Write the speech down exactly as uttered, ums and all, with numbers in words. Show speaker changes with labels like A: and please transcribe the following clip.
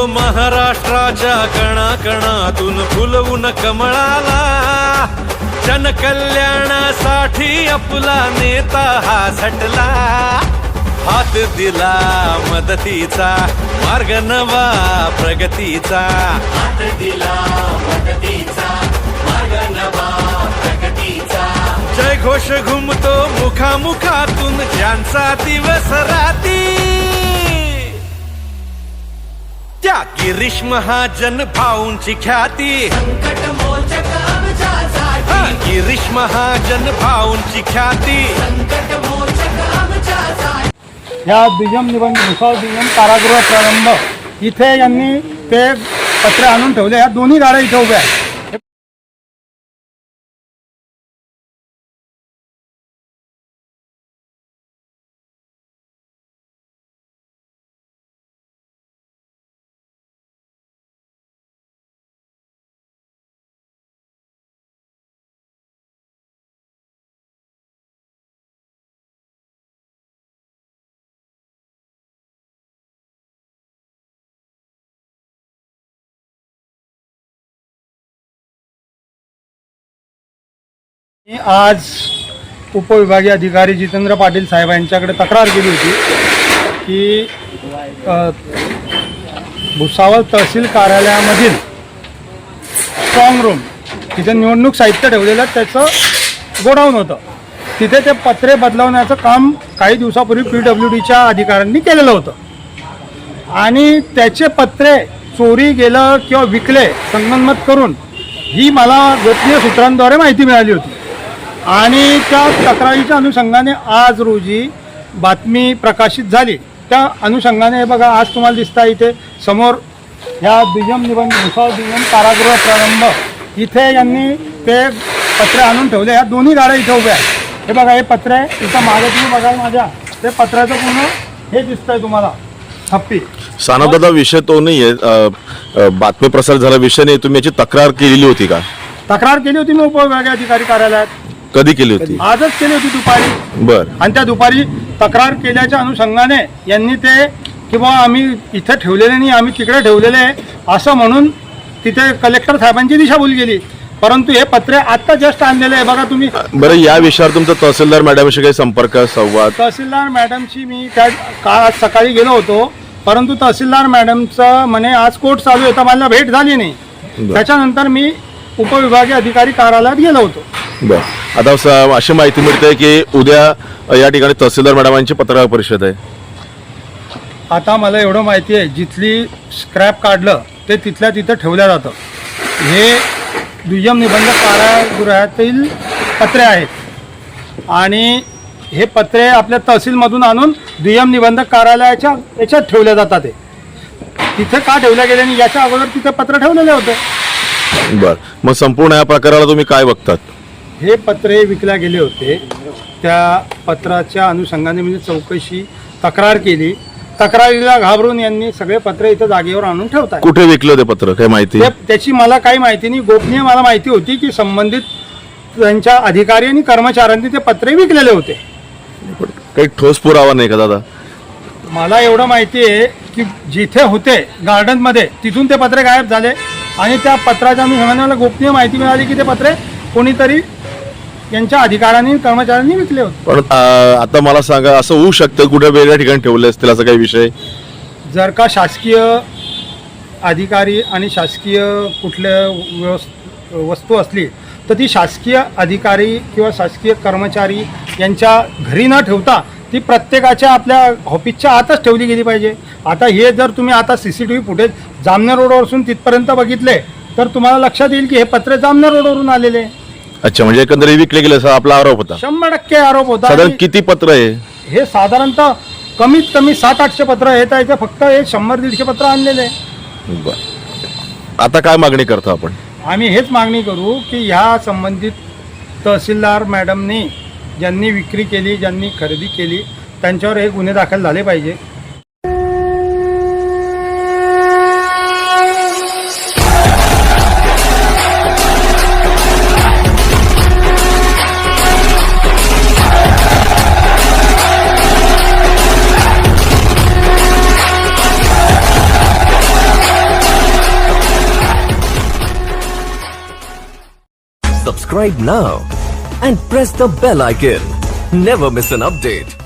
A: महाराष्ट्राच्या कणाकणातून फुलवून कमळाला, जनकल्याणासाठी आपला नेता हा झटला. हात दिला मदतीचा, मार्ग नवा प्रगतीचा.
B: हात दिला मदतीचा, मार्ग नवा प्रगतीचा.
A: जय घोष घुमतो मुखामुखातून ज्यांचा दिवस राती. त्या गिरीश महाजन भाऊंची ख्याती,
B: संकट मोचक आमच्यासाठी.
A: हा, गिरीश महाजन भाऊंची ख्याती,
B: संकट मोचक आमच्यासाठी.
C: या दुय्यम निबंध भुसावळ दुय्यम कारागृह प्रारंभ इथे यांनी ते पत्रे आणून ठेवले. ह्या दोन्ही गाड्या इथे उभ्या आहेत. मी आज उपविभागीय अधिकारी जितेंद्र पाटील साहेब यांच्याकडे तक्रार केली होती की अ, भुसावळ तहसील कार्यालयामधील स्ट्रॉंग रूम तिथे निवडणूक साहित्य ठेवलेलं त्याचं गोडाऊन होतं. तिथे ते पत्रे बदलवण्याचं काम काही दिवसापूर्वी पी डब्ल्यू डीच्या अधिकाऱ्यांनी केलेलं होतं आणि त्याचे पत्रे चोरी गेलं किंवा विकले संगनमत करून ही मला गोपनीय सूत्रांद्वारे माहिती मिळाली होती. आणि त्या तक्रारीच्या अनुषंगाने आज रोजी बातमी प्रकाशित झाली. त्या अनुषंगाने हे बघा आज तुम्हाला दिसता इथे समोर ह्या दुय्यम निबंध भुसावळ दुय्यम कारागृह प्रारंभ इथे यांनी ते पत्रे आणून ठेवले. ह्या दोन्ही गाड्या इथे उभ्या आहेत. हे बघा हे पत्रे इथं मागे तुम्ही बघाल माझ्या ते पत्र्याचं पूर्ण हे दिसतंय तुम्हाला हप्पी.
D: सानदादा विषय तो नाही आहे, बातमी प्रसार झाला विषय नाही. तुम्ही याची तक्रार केलेली होती का?
C: तक्रार केली होती मी उपविभागीय अधिकारी कार्यालयात.
D: कधी केली होती?
C: आजच केली होती दुपारी.
D: बर.
C: आणि त्या दुपारी तक्रार केल्याच्या अनुषंगाने यांनी ते किंवा आम्ही इथे ठेवलेले नाही आम्ही तिकडे ठेवलेले आहे असं म्हणून तिथे कलेक्टर साहेबांची दिशाभूल गेली. परंतु हे पत्रे आत्ता जस्ट आणलेले आहे बघा तुम्ही.
D: बरं, या विषयावर तुमचा तहसीलदार मॅडमशी काही संपर्क संवाद?
C: तहसीलदार मॅडमशी मी त्या काल आज सकाळी गेलो होतो परंतु तहसीलदार मॅडमचं म्हणे आज कोर्ट चालू आहे तर मला भेट झाली नाही. त्याच्यानंतर मी उपविभागीय अधिकारी कार्यालयात गेलो होतो.
D: बर. आता स- अशी माहिती मिळते की उद्या या ठिकाणी तहसीलदार मॅडमांची पत्रकार परिषद आहे.
C: आता मला एवढं माहिती आहे जिथली स्क्रॅप काढलं ते तिथल्या तिथं ठेवलं जातं. हे दुय्यम निबंध कारागृहातील पत्रे आहेत आणि हे पत्रे आपल्या तहसीलमधून आणून दुय्यम निबंधक कार्यालयाच्या याच्यात ठेवले जातात. ते तिथे का ठेवले गेले नाही याच्या अगोदर तिथे पत्र ठेवलेले होते.
D: बर. मग संपूर्ण या प्रकाराला तुम्ही काय बघतात?
C: हे पत्रे विकल्या गेले होते. त्या पत्राच्या अनुषंगाने म्हणजे चौकशी तक्रार केली. तक्रारीला घाबरून यांनी सगळे पत्रे इथं जागेवर आणून ठेवतात.
D: कुठे विकलं ते पत्र काय माहिती?
C: ते- त्याची मला काही माहिती नाही. गोपनीय मला माहिती होती की संबंधित त्यांच्या अधिकारी आणि कर्मचाऱ्यांनी ते पत्रे विकलेले होते.
D: काही ठोस पुरावा नाही का दादा?
C: मला एवढं माहिती आहे की जिथे होते गार्डनमध्ये तिथून ते पत्रे गायब झाले आणि त्या पत्राच्या अनुषंगाने मला गोपनीय माहिती मिळाली की ते पत्रे कोणीतरी यांच्या अधिकाऱ्यांनी कर्मचाऱ्यांनी विकले होते.
D: पण आ, आता मला सांगा असं होऊ शकतं कुठे वेगळ्या ठिकाणी ठेवले असतील असा काही विषय?
C: जर का शासकीय अधिकारी आणि शासकीय कुठल्या व्यवस् वस्तू असली तर ती शासकीय अधिकारी किंवा शासकीय कर्मचारी यांच्या घरी न ठेवता ती प्रत्येकाच्या आपल्या ऑफिसच्या आतच ठेवली गेली पाहिजे. आता हे जर तुम्ही आता C C T V footage Jamner रोडवरून तिथपर्यंत बघितले तर तुम्हाला लक्षात येईल की हे पत्रे जामनेर रोडवरून आलेले.
D: अच्छा, म्हणजे एकंदरीत विकले गेले असा आपला आरोप होता?
C: शंभर टक्के आरोप होता.
D: साधारण
C: आणि
D: किती पत्र आहे
C: हे? साधारणतः कमीत कमी सात आठशे पत्र येत आहे. फक्त हे शंभर दीडशे पत्र आणलेले.
D: बर. आता काय मागणी करतो आपण?
C: आम्ही हेच मागणी करू की ह्या संबंधित तहसीलदार मॅडमनी ज्यांनी विक्री केली ज्यांनी खरेदी केली त्यांच्यावर हे गुन्हे दाखल झाले पाहिजे.
E: Subscribe now and press the bell icon. Never miss an update.